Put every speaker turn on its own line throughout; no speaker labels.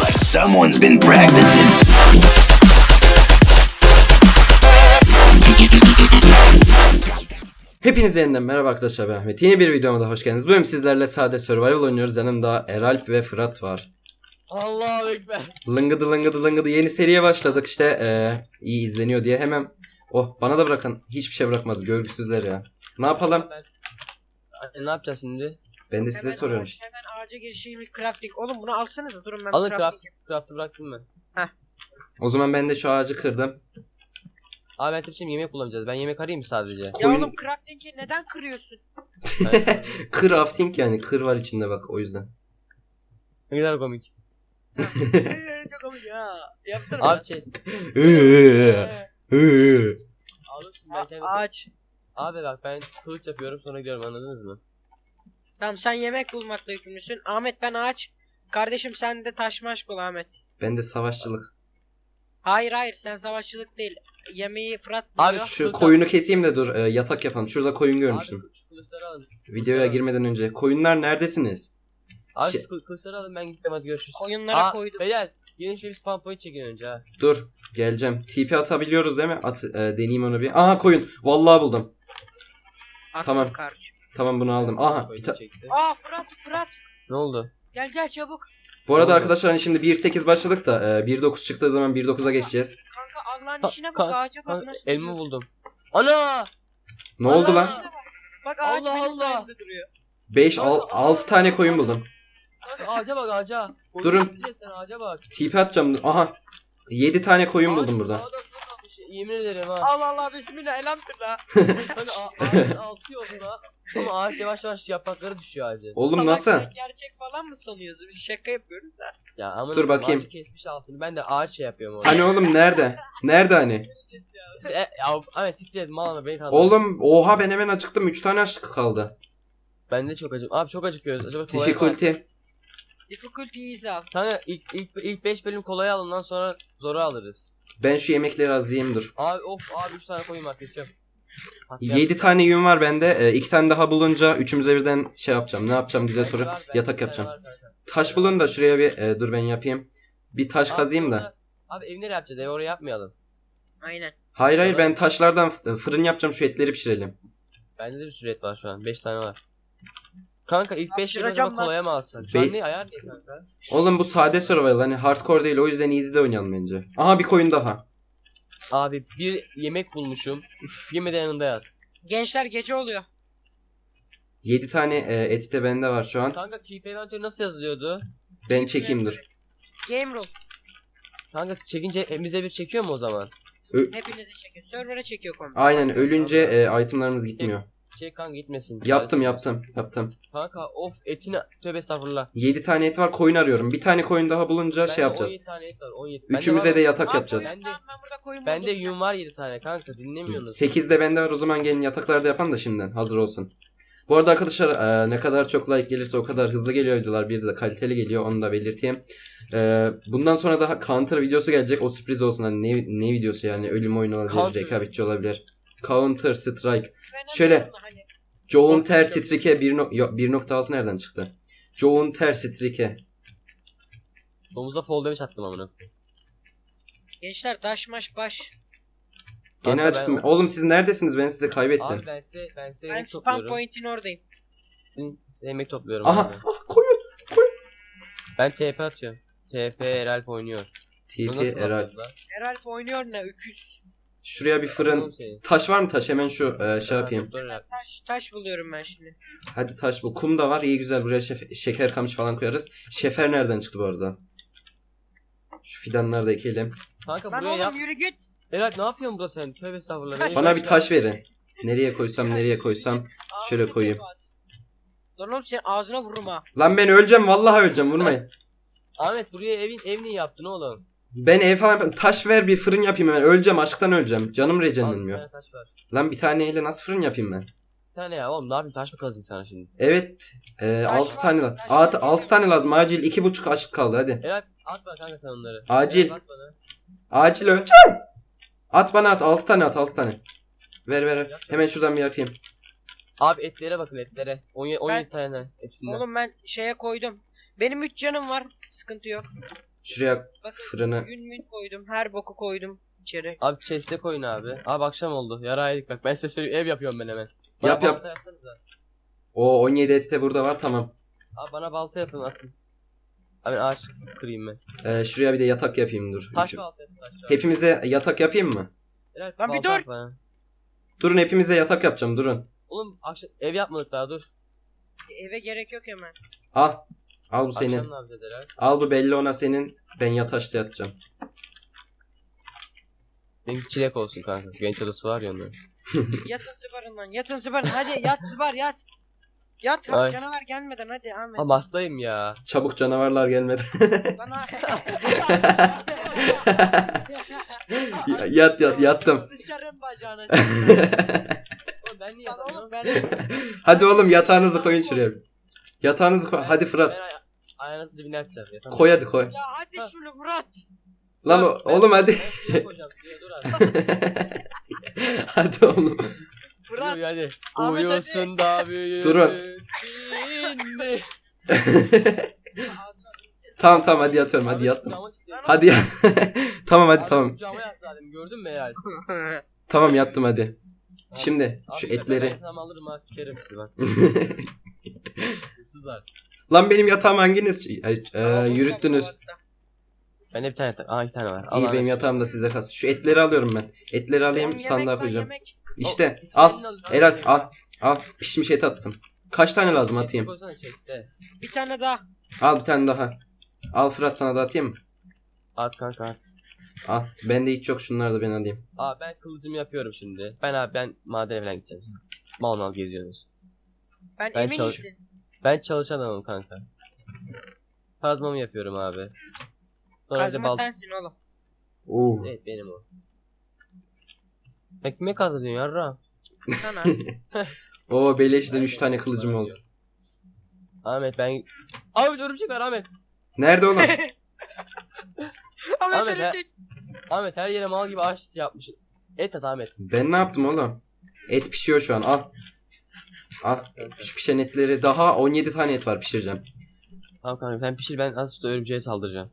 like someone's been practicing.
Hepinize yeniden merhaba arkadaşlar, ben Ahmet. Yeni bir videoma da hoş geldiniz. Bugün sizlerle sade survival oynuyoruz. Yanımda Eralp ve Fırat var.
Allahu Ekber.
Lıngıdı lıngıdı lıngıdı yeni seriye başladık işte, iyi izleniyor diye hemen. Oh, bana da bırakın, hiçbir şey bırakmadı görgüsüzler ya. Ne yapalım?
Ne yapacağız şimdi?
Ben de size
Hemen
soruyorum.
Hemen ağaca girişeyim, crafting. Oğlum bunu alsanıza, durun ben
Alın
crafting yapayım.
craft'ı bıraktım ben.
O zaman ben de şu ağacı kırdım.
Abi ben size şimdi yemek kullanacağız. Ben yemek arayayım mı sadece?
Ya
Koyun-
oğlum crafting'i neden kırıyorsun?
Crafting, yani kır var içinde bak, o yüzden.
Ne kadar komik.
Çok komik ya. Yapsana.
Abi şey. Alırsın ben kendim.
Ağaç.
Abi bak ben kılıç yapıyorum sonra gidiyorum, anladınız mı?
Tamam, sen yemek bulmakla yükümlüsün. Ahmet ben ağaç. Kardeşim sen de taş maş bul Ahmet.
Ben de savaşçılık.
Hayır sen savaşçılık değil. Yemeği Fırat
Abi
buluyor.
Şu koyunu keseyim de dur, yatak yapalım. Şurada koyun görmüştüm.
Abi şu kılıçları alın.
Videoya girmeden önce. Koyunlar neredesiniz?
Abi
Şey-
şu kılıçları alın, ben gideceğim, hadi görüşürüz.
Koyunlara koydum.
Beyler gelin şöyle bir spawn point çekin önce ha.
Dur, geleceğim. TP atabiliyoruz değil mi? Deneyeyim onu bir. Aha, koyun. Vallahi buldum.
Attım
tamam.
kardeşim.
Tamım, bunu aldım.
Spawn
Aha.
point'i çekti.
Aa Fırat.
Ne oldu?
Gel çabuk.
Bu arada
Oldu.
arkadaşlar hani şimdi 1.8 başladık da 1.9 çıktığı zaman 1.9'a geçeceğiz.
Kanka Allah'ın
Ka-
işine bak,
ka-
ağaca bak
Kanka,
nasıl
elma
duruyor.
buldum. Ana!
Ne oldu
Allah!
lan?
Bak ağaç
Allah
benim
Allah.
sayemde duruyor.
5
Kanka,
6 tane koyun buldum.
Kanka ağaca bak ağaca.
Durun.
Koyun sen ağaca bak.
TP atacağım. Aha. 7 tane koyun
Ağaç
buldum burada.
sağda solda kalmış, yemin ederim ha.
Allah bismillah elhamdülillah.
Kanka ağacın altı yolda. Ama ağaç yavaş yavaş yaprakları düşüyor ağacın.
Oğlum
Bak
nasıl?
sen gerçek falan mı sanıyorsun? Biz şaka yapıyoruz da.
Ya ama
Dur bakayım.
ağacı kesmiş altını. Ben de ağaç şey yapıyorum orada.
Hani oğlum nerede? Nerede hani?
Ama siktir et, mal ama beni kandırdın.
Oğlum oha, ben hemen acıktım. 3 tane açlık kaldı.
Ben de çok acım. Abi çok acıkıyoruz. Acaba kolay mı?
Difficulty.
Difficulty is al.
Kanka ilk 5 bölüm kolay alın, ondan sonra zoru alırız.
Ben şu yemekleri az yiyeyim, dur.
Abi abi 3 tane koyayım arkadaşım.
7 tane yün var bende. 2 tane daha bulunca üçümüze birden şey yapacağım. Ne yapacağım diye sorup yatak yapacağım. Taş bulun da şuraya bir dur ben yapayım. Bir taş kazayım da.
Abi ev nereye yapacağız? Ev oraya yapmayalım.
Aynen.
Hayır ben taşlardan fırın yapacağım, şu etleri pişirelim.
Bende de bir sürü et var şu an. 5 tane var. Kanka ilk 5 bölüm
Hapşıracağım
acaba
lan.
kolaya mı alsak? Şu an ne ayar ne kanka?
Oğlum bu sade survival, hani hardcore değil, o yüzden easy'de oynayalım bence. Aha, bir koyun daha.
Abi bir yemek bulmuşum. Üf, yemeden yanında yat.
Gençler gece oluyor.
7 tane et de bende var şu an.
Kanka keep inventory nasıl yazılıyordu?
Ben çekeyim dur.
Game rule.
Kanka çekince bize bir çekiyor mu o zaman?
Hepinizi çekiyor. Server'a çekiyor kombi.
Aynen, ölünce itemlarımız gitmiyor.
Çek kanka gitmesin.
Yaptım.
Kanka of etine tövbe estağfurullah.
7 tane et var, koyun arıyorum. Bir tane koyun daha bulunca şey
Bende
yapacağız.
17 tane et var 17.
Üçümüze de yatak
Aa,
yapacağız.
koyun, tamam, ben burada koyun
Bende
buldum.
yün var 7 tane kanka, dinlemiyorsunuz.
8 de bende var, o zaman gelin yataklarda yapalım da şimdiden hazır olsun. Bu arada arkadaşlar ne kadar çok like gelirse o kadar hızlı geliyor videolar. Bir de kaliteli geliyor, onu da belirteyim. Bundan sonra daha Counter videosu gelecek, o sürpriz olsun. Hani ne videosu yani, ölüm oyunu olabilir,
Counter.
rekabetçi olabilir. Counter Strike.
Ben
Şöyle.
anladım da hani.
Counter Strike 1.6 nereden çıktı? Counter Strike.
Domuza fall damage attım amına.
Gençler daş baş.
Gene
Kanka
açtım.
ben-
Oğlum siz neredesiniz? Ben sizi kaybettim.
Abi ben size
Ben
yemek
spam
topluyorum.
point'in oradayım.
Size yemek topluyorum.
Aha,
abi.
koyun.
Ben TP atıyorum. TP Eralp oynuyor. Bunu
TP
nasıl
Eral.
yapıyoruz lan?
Herhalde oynuyor ne öküz.
Şuraya bir
Oğlum
fırın.
senin.
Taş var mı taş? Hemen şu şey
Ha,
yapayım.
doktor Eralp.
Taş buluyorum ben şimdi.
Hadi taş bul. Kum da var. İyi güzel. Buraya şeker kamış falan koyarız. Şefer nereden çıktı bu arada? Şu fidanları da ekelim.
Kanka
Lan
buraya
oğlum
yap.
yürü git.
Eralp ne yapıyorsun burada sen? Tövbe estağfurullah.
Taş-
Beni
Bana bir
başla-
taş verin. Nereye koysam. Şöyle
Ağzına
koyayım.
tepe at. Lan oğlum senin ağzına vururum ha.
Lan ben öleceğim. Vallahi öleceğim. Vurmayın.
Ahmet buraya ev niye yaptın oğlum?
Ben ev falan yapayım. Taş ver, bir fırın yapayım hemen. Öleceğim. Açlıktan öleceğim. Canım
Al bir
regenlenmiyor.
tane taş var.
Lan bir taneyle nasıl fırın yapayım ben?
Bir tane ya oğlum, ne yapayım, taş mı kazayım sana şimdi?
Evet.
Taş
6
var,
tane lazım.
taş var.
6 tane lazım. Acil. 2,5 açlık kaldı. Hadi.
Eralp at bana kanka sen onları.
Acil.
Eralp, at bana.
Acil öleceğim. At bana at. 6 tane at. 6 tane. Ver. Hemen şuradan bir yapayım.
Abi etlere bakın, etlere. 17
Ben-
tane hepsinden.
Oğlum ben şeye koydum. Benim 3 canım var. Sıkıntı yok.
Şuraya
Bakın
fırını.
yün koydum. Her boku koydum içeri.
Abi chest'e koyun abi. Abi akşam oldu. Yaraydık bak. Ben size söyleyeyim ev yapıyorum ben hemen.
Yap, yap.
Balta yapsanıza.
O 17 eti de burada var, tamam.
Abi bana balta yapın atın. Abi ağaç kırayım ben.
Şuraya bir de yatak yapayım dur.
Taş balta yapın taş.
Hepimize yatak yapayım mı?
Evet,
Lan bir
balta
dur.
yap bana.
Durun, hepimize yatak yapacağım, durun.
Oğlum akşam ev yapmadık daha dur.
Eve gerek yok hemen.
Al. Al bu senin.
Akşam ne yapacağız Eray?
Al bu belli ona senin. Ben yataşta yatacağım.
Benimki çilek olsun kanka. Genç odası var ya onda.
Yatın zıbarın lan. Yatın zıbarın. Hadi yat zıbar yat. Yat
Ay.
canavar gelmeden hadi Ahmet.
Ama hastayım ya.
Çabuk canavarlar gelmedi.
Bana...
Yat yattım.
Sıçarım bacağına.
Oğlum ben niye
Lan oğlum
yatamıyorum?
ben...
Hadi oğlum yatağınızı koyun şuraya. Yatağınızı koy. Hadi Fırat.
Ben ayağınızın dibine yapacağım. Yatamam.
Koy hadi koy.
Ya hadi şunu Fırat.
Lan oğlum hadi.
Ben suya koyacağım suya dur abi.
Hadi oğlum.
Fırat.
Uyu hadi.
Ahmet,
Uyusun da büyüsün.
Durun.
Şimdi.
Tamam hadi yatıyorum, hadi
Abi,
yattım.
kucağıma çıktı.
Hadi ya. Tamam hadi
Abi,
tamam.
kucağıma yattı zaten gördün mü Eray?
Tamam yattım hadi. Şimdi
Abi,
şu
ben
etleri.
yatağımı alırım ha sikerim sizi bak. Hırsızlar.
Lan benim yatağımı hanginiz yürüttünüz?
Bende bir tane yatak. Aa 2 tane var.
İyi,
Ahmet.
benim yatağım da sizde kalsın. Şu etleri alıyorum ben. Etleri alayım,
Oğlum,
sandığa
yemek var,
koyacağım.
yemek.
İşte
O,
al.
senin al.
Eral al. Pişmiş et attım. Kaç tane lazım
Chest'e
atayım?
koysana chest'e.
Bir tane daha.
Al bir tane daha. Al Fırat, sana da atayım mı?
At kanka at.
Al. Bende hiç yok, şunları da ben alayım.
Aa ben kılıcımı yapıyorum şimdi. Ben madene falan gideceğim. Siz mal mal geziyorsunuz.
Ben
Ben
emin
çalış-
misin?
Ben çalışan adamım kanka. Kazmamı yapıyorum abi. Sonra
Kazma
bir de
sensin oğlum.
Evet benim o. Sen kime kazma diyorsun yarra?
Sana.
Oo beleşten 3 tane kılıcım oldu.
Ahmet ben... Abi örümcek var Ahmet.
Nerede oğlum?
Ahmet
Ahmet,
örümcek.
Ahmet her yere mal gibi ağaç yapmış. Et at Ahmet.
Ben ne yaptım oğlum? Et pişiyor şu an, al. Al. Şu pişen etleri daha 17 tane et var, pişireceğim.
Tamam kanka sen pişir ben az sonra örümceğe saldıracağım.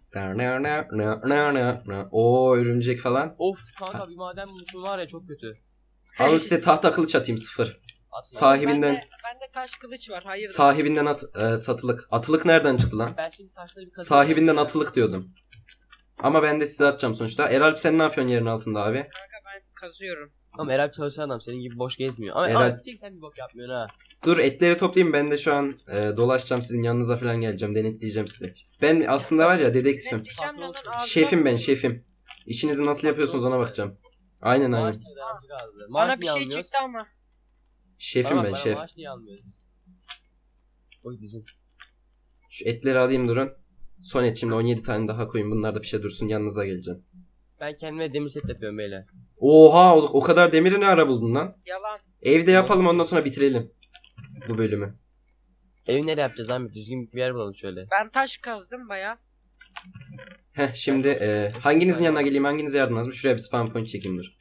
Oo örümcek falan.
Of kanka bir maden bulmuşum var ya çok kötü.
Alın size tahta kılıç atayım, 0.
Atma.
Sahibinden
Bende taş kılıç var. Hayır.
sahibinden satılık. Atılık nereden çıktı lan?
Ben şimdi taşları bir kazıyım.
Sahibinden atılık diyordum. Ama ben de size atacağım sonuçta. Eralp sen ne yapıyorsun yerin altında abi?
Kanka ben kazıyorum.
Ama Eralp çalışan adam senin gibi boş gezmiyor. Ama
Eralp-
Ahmet sen bir bok yapmıyorsun ha.
Dur etleri toplayayım, ben de şu an dolaşacağım, sizin yanınıza falan geleceğim, denetleyeceğim sizi. Ben aslında var ya dedektifim.
Besleyeceğim lan
Patron-
ağzına.
Şefim ben, şefim. İşinizi nasıl yapıyorsunuz ona bakacağım. Aynen
Maaş
aynen.
niye öğrenci kaldı?
Bana
Maaş
bir
niye
şey
almıyoruz?
çıktı ama.
Şefim
Tamam,
ben,
bana
şef.
maaş niye almıyoruz? Oy dizim.
Şu etleri alayım, durun. Son et, şimdi 17 tane daha koyun, bunlar da pişe dursun, yanınıza geleceğim.
Ben kendime demir set yapıyorum beyler.
Oha, o kadar demiri ne ara buldun lan?
Yalan.
Evde yapalım, ondan sonra bitirelim bu bölümü.
Evi nereye yapacağız Ahmet? Düzgün bir yer bulalım şöyle.
Ben taş kazdım baya.
Heh, şimdi hanginizin yanına geleyim, hanginize yardım lazım? Şuraya bir spawn point çekeyim, dur.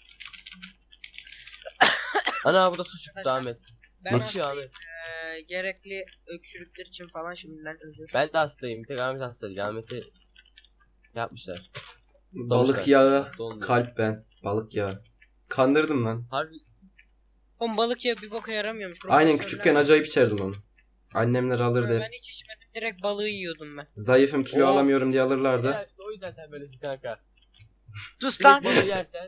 Ana burada su çıktı Ahmet.
Ben
Ne çıkıyor Ahmet?
gerekli öksürükler için falan şimdiden özür.
Ben de hastayım. Bir tek Ahmet hasta değil. Ahmet'i yapmışlar.
Balık
Doğmuşlar.
yağı,
Hasta olmuyor.
kalp ben. Balık yağı. Kandırdım lan.
Harbi
Oğlum balık ya bir boka yaramıyormuş.
Aynen,
Profesörler-
küçükken acayip içerdim onu. Annemler alırdı hep.
Ben hiç içmedim. Direkt balığı yiyordum ben.
Zayıfım, kilo
Oo.
alamıyorum diye alırlardı.
Eğer işte o yüzden sen böylesin kanka.
Sus lan.
Direkt balığı yersen.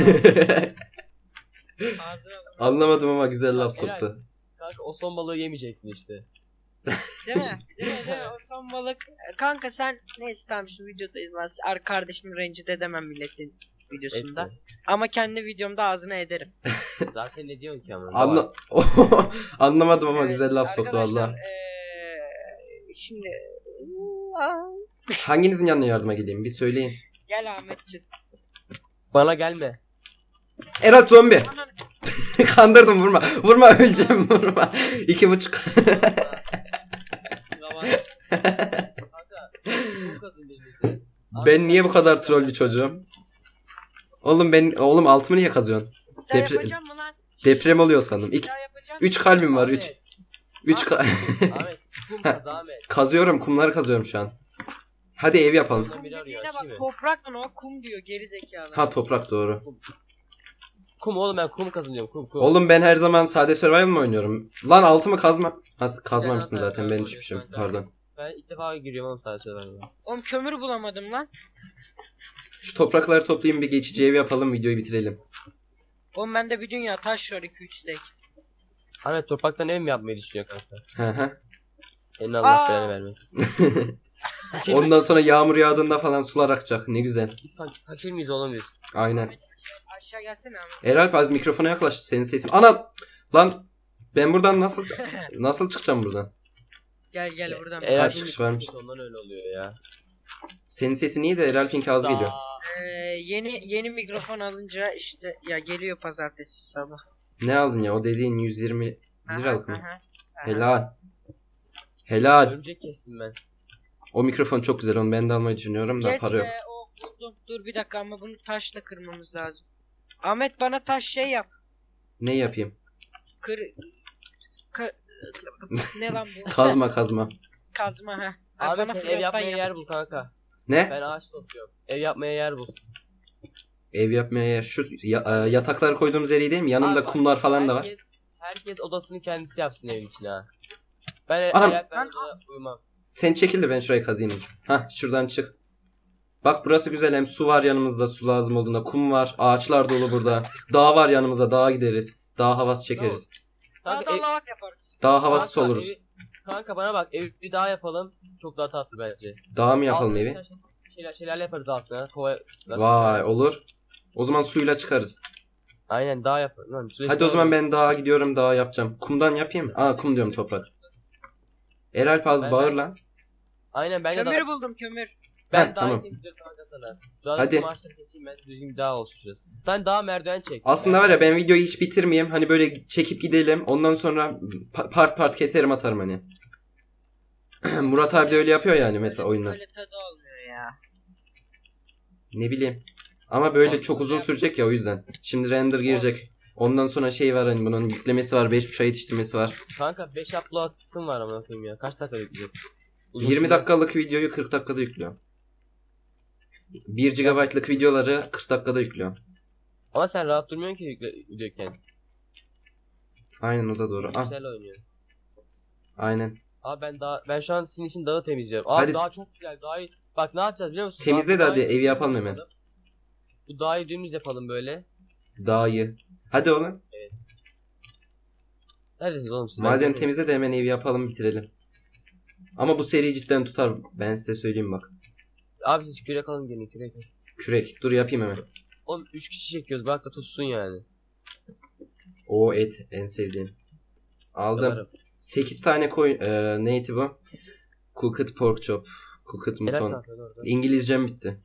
Ağzına bak.
Anlamadım ama güzel laf
Helal.
soktu.
Kanka o son balığı yemeyecektin işte.
Değil mi? Değil mi? O son balık. Kanka sen neyse tamam şu videodayız. Ben kardeşimi rencide edemem milletin videosunda.
Etme.
Ama kendi videomda ağzına ederim.
Zaten ne diyorsun ki ama?
Anlamadım ama
Evet,
güzel laf soktu
arkadaşlar,
valla.
Şimdi
Hanginizin yanına yardıma geleyim bir söyleyin.
gel Ahmetciğim.
Bana gelme.
Erat zombi.
Anan
Kandırdım, vurma. Vurma, öleceğim, vurma. 2,5.
yavaş.
Kanka. Bu kadın birbirinize.
Ben niye bu kadar troll bir çocuğum? Oğlum altımı niye kazıyorsun?
Bir daha
Depre-
yapacağım mı lan?
Deprem oluyor sandım.
Bir daha yapacağım.
3 kalbim var, 3.
Ahmet,
3
Ahmet kum kaz Ahmet.
kazıyorum, kumları kazıyorum şu an. Hadi ev yapalım.
Ondan biri arıyor.
Dediğine
Açayım
bak
mı?
toprak lan o kum diyor geri zekalı.
Ha toprak doğru.
Kum oğlum, ben kum kazanıyorum. Kum.
Oğlum ben her zaman sade survival mı oynuyorum? Lan altımı kazma. Ha, kazmamışsın
Güzel,
zaten,
güzel,
ben
güzel,
düşmüşüm.
güzel.
Pardon.
Ben ilk defa giriyorum oğlum sadece söylemem.
Oğlum kömür bulamadım lan.
Şu toprakları toplayayım, bir geçici ev yapalım, videoyu bitirelim.
Oğlum bende bir dünya taş var 2-3 stek.
Ahmet topraktan ev mi yapmayı düşünüyor kanka?
Hı hı.
Senin Allah
Aa!
belanı vermesin.
Ondan sonra yağmur yağdığında falan sular akacak. Ne güzel.
Biz sanki fakir miyiz oğlum biz?
Aynen.
Aşağı gelsene abi.
Eralp az mikrofona yaklaş. Senin sesin. Ana! Lan ben buradan nasıl çıkacağım buradan?
Gel buradan.
Eğer
çıkış varmış.
Ondan öyle oluyor ya.
Senin sesin iyi de Eralp'inki az geliyor.
Yeni mikrofon alınca işte ya geliyor pazartesi sabah.
Ne aldın ya? O dediğin 120
Aha,
liralık mı?
aha.
Helal. Helal.
Örümcek kestim ben.
O mikrofon çok güzel. Onu ben de almayı düşünüyorum da
Kes
para yok.
be, o buldum. Dur bir dakika ama bunu taşla kırmamız lazım. Ahmet bana taş şey yap.
Ne yapayım?
Ka- ne lan bu?
Kazma.
Kazma ha.
Abi
Bana
sen ev
fırlattan
yapmaya
yap.
yer bul kanka.
Ne?
Ben ağaç topluyorum. Ev yapmaya yer bul.
Ev yapmaya yer. Şu yatakları koyduğumuz yer iyi değil mi? Yanında
Abi bak,
kumlar falan da var.
Herkes odasını kendisi yapsın evin içine ha. Ben
Anam.
ben odada uyumam.
Sen çekil de ben şurayı kazayım. Hah, şuradan çık. Bak burası güzel, hem su var yanımızda, su lazım olduğunda, kum var, ağaçlar dolu burada. Dağ var yanımızda, dağa gideriz. Dağ havası çekeriz.
Kanka,
Daha da lavak yaparız.
Dağ havası
kanka,
oluruz.
kanka bana bak, ev bir daha yapalım. Çok daha tatlı bence.
Dağ mı yapalım
Altına
evi?
Şelale yaparız altına. Kova.
Vay, olur. O zaman suyla çıkarız.
Aynen, dağ yaparız. Lan,
Hadi o zaman ben dağa gidiyorum, dağa yapacağım. Kumdan yapayım. Aa, kum diyorum, toprak. Eralp az
Ben-
bağır
ben-
lan.
Aynen, ben de
Kömür
dağ.
buldum kömür.
Ben
Heh,
dağ
tamam.
yapayım diyor kanka sana. Dağ
Hadi.
Maaşları keseyim ben, düzgün bir dağ olsun şurası. Sen dağ merdiven çek.
Aslında var ya, ben videoyu hiç bitirmeyeyim. Hani böyle çekip gidelim. Ondan sonra part keserim atarım hani. Murat abi de öyle yapıyor yani mesela oyunda.
Öyle tadı olmuyor ya.
Ne bileyim. Ama böyle
Olsun
çok uzun
ya.
sürecek ya, o yüzden. Şimdi render girecek. Ondan sonra şey var, hani bunun yüklemesi var, 5.5 ay yetiştirmesi var.
Kanka 5 upload'ım var ama bakayım ya. Kaç dakika yükleyecek?
20
sürmez.
dakikalık videoyu 40 dakikada yüklüyor. 1 GB'lık videoları 40 dakikada yüklüyor.
Ama sen rahat durmuyorsun ki yüklüyorken.
Aynen, o da doğru. Ah,
Güzel oynuyor.
aynen.
Abi ben şu an sizin için dağı temizliyorum. Abi
Hadi.
dağ çok güzel. Bak ne yapacağız biliyor musun?
Temizle de
Dağı-
hadi,
dağı-
evi yapalım hemen.
Bu dağı dümdüz yapalım böyle.
Dağı. Hadi oğlum.
Neredesiniz oğlum siz?
Madem temizle de hemen evi yapalım, bitirelim. Ama bu seri cidden tutar. Ben size söyleyeyim bak.
Abi siz kürek alın gelin kürek.
Kürek. Dur yapayım hemen.
Oğlum 3 kişi çekiyoruz, bırak da tutsun yani.
O et en sevdiğim. Aldım.
Yaparım.
8 tane neydi bu? Cooked pork chop. Cooked
Helal
mutton.
kanka, doğru.
İngilizcem bitti.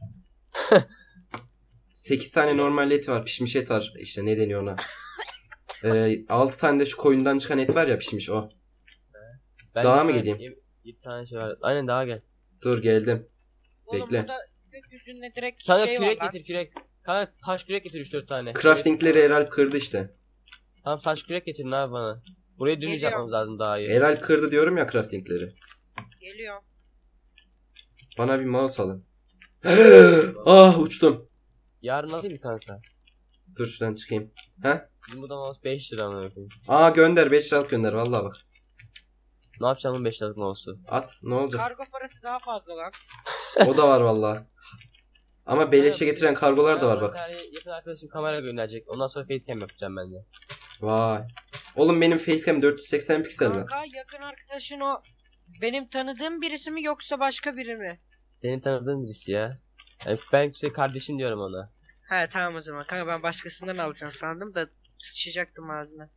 8 tane normal et var. Pişmiş et var. İşte ne deniyor ona? 6 tane de şu koyundan çıkan et var ya, pişmiş o.
Ben
Dağa
de
mı
şu an
geleyim?
Bir tane şey var. Aynen dağa gel.
Dur geldim.
Oğlum
Bekle.
burada gökyüzünde direkt
Kanka
şey
kürek
var lan.
getir kürek. Kanka taş kürek getir 3-4 tane.
Craftingleri Eralp kırdı işte.
Tamam taş kürek getirin abi bana. Burayı dümdüz
Geliyor.
yapmamız lazım daha iyi.
Eralp kırdı diyorum ya craftingleri.
Geliyor.
Bana bir mouse alın. Ah, uçtum.
Yarın alayım mı kanka?
Dur şuradan çıkayım.
Bizim burada mouse 5 lira mı yapayım?
Aa, gönder, 5 liralık gönder vallahi bak.
Ne yapacağım bu 5 liralık mouse'u?
At, ne olacak?
Kargo parası daha fazla lan.
O da var vallahi. Ama beleşe getiren kargolar da var bak.
Bir tane yakın arkadaşım kamera gönderecek. Ondan sonra facecam yapacağım ben de.
Vay. Oğlum benim facecam 480 piksel mi?
Kanka yakın arkadaşın o benim tanıdığım birisi mi yoksa başka biri mi?
Senin tanıdığın birisi ya. Yani ben kardeşim diyorum ona.
He tamam o zaman. Kanka ben başkasından alacağım sandım da sıçacaktım ağzına.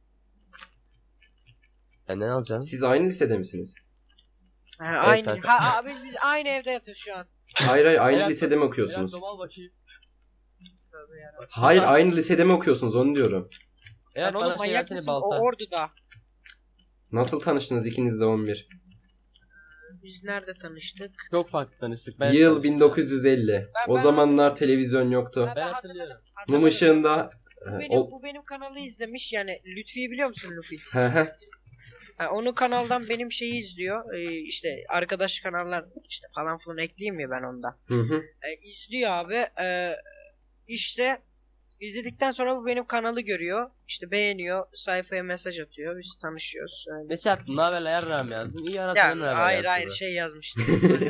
Senden alacağım.
Siz aynı lisede misiniz?
Ha, aynı.
kanka.
Ha abi biz aynı evde yatıyoruz şu an.
Hayır, aynı
Helal-
lisede mi
Biraz
okuyorsunuz?
domal bakayım.
Tövbe yarabbim.
Hayır, aynı lisede mi okuyorsunuz, onu diyorum.
Evet
Lan oğlum
bana şey
manyak
versene
mısın? O
balta.
Ordu'da.
Nasıl tanıştınız ikiniz de 11?
Biz nerede tanıştık?
Çok farklı tanıştık.
Yıl
tanıştım.
1950. O
ben-
zamanlar televizyon yoktu.
Ben hatırlıyorum.
Mum ışığında...
Bu benim, bu benim kanalı izlemiş yani Lütfi'yi biliyor musun Lütfi?
Hı hı.
Ha, onun kanaldan benim şeyi izliyor. İşte arkadaş kanallar işte falan filan ekleyeyim ya ben onda.
Hı hı.
İzliyor abi. İşte izledikten sonra bu benim kanalı görüyor. İşte beğeniyor. Sayfaya mesaj atıyor. Biz tanışıyoruz. Öyle.
Ne şey attın? Ne haber yarram yazdın? İyi
Ya,
aratmadın ne haber
hayır
yazdın
hayır
mı?
şey yazmıştım.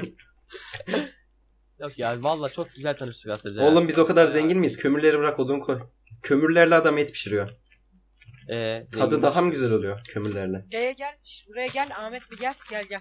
Yok ya valla çok güzel tanıştık aslında.
Oğlum biz o kadar
Bayağı-
zengin miyiz? Kömürleri bırak, odun koy. Kömürlerle adam et pişiriyor. Tadı
zenginmiş.
daha mı güzel oluyor kömürlerle?
Şuraya gel. Buraya gel. Ahmet bir gel. Gel.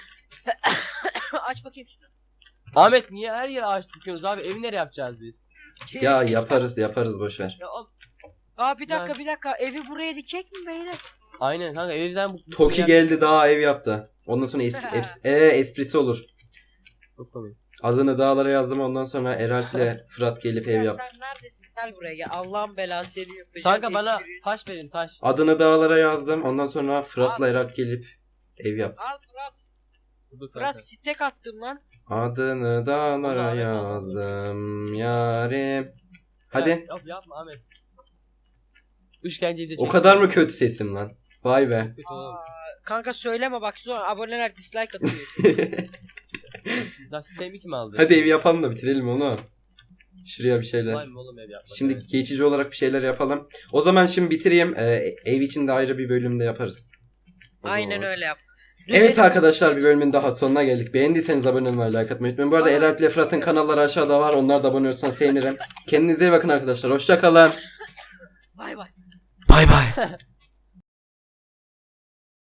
Aç bakayım şunu.
Ahmet niye her yere ağaç dikiyoruz abi? Evi nereye yapacağız biz?
Ya yaparız boşver.
Ya,
Aa bir dakika. Evi buraya dikecek mi beyler?
aynen kanka evden bu...
Toki geldi daha ev yaptı. Ondan sonra esprisi olur.
Çok komik.
Adını dağlara yazdım, ondan sonra Eralp'le Fırat gelip ev
Ya
yaptı.
sen neredesin? Gel buraya gel. Allah'ın belası seni yapacağım.
Kanka bana
Espri-
taş verin taş.
Adını dağlara yazdım, ondan sonra Fırat'la Eralp gelip ev yaptı.
Al Fırat.
Dur kanka.
Fırat stek attım lan.
Adını dağlara
Ahmet
yazdım yarim. Hadi.
Yapma Ahmet. İşkenceyi de
O
çek.
kadar mı kötü sesim lan? Vay be.
Kötü oğlum.
Kanka söyleme bak sonra aboneler dislike atıyor.
Lan sistemi kim aldı?
Hadi ev yapalım da bitirelim onu. Şuraya bir şeyler.
Vay mı oğlum ev yapmak?
Şimdi
evet.
geçici olarak bir şeyler yapalım. O zaman şimdi bitireyim. Ev için de ayrı bir bölümde yaparız.
Aynen öyle yap.
Evet arkadaşlar, bir bölümün daha sonuna geldik. Beğendiyseniz abone olmayı, like atmayı unutmayın. Bu arada Eralp ile Fırat'ın kanalları aşağıda var. Onlar da abone olursanız sevinirim. Kendinize iyi bakın arkadaşlar. Hoşça kalın.
Bay bay.
Bay bay.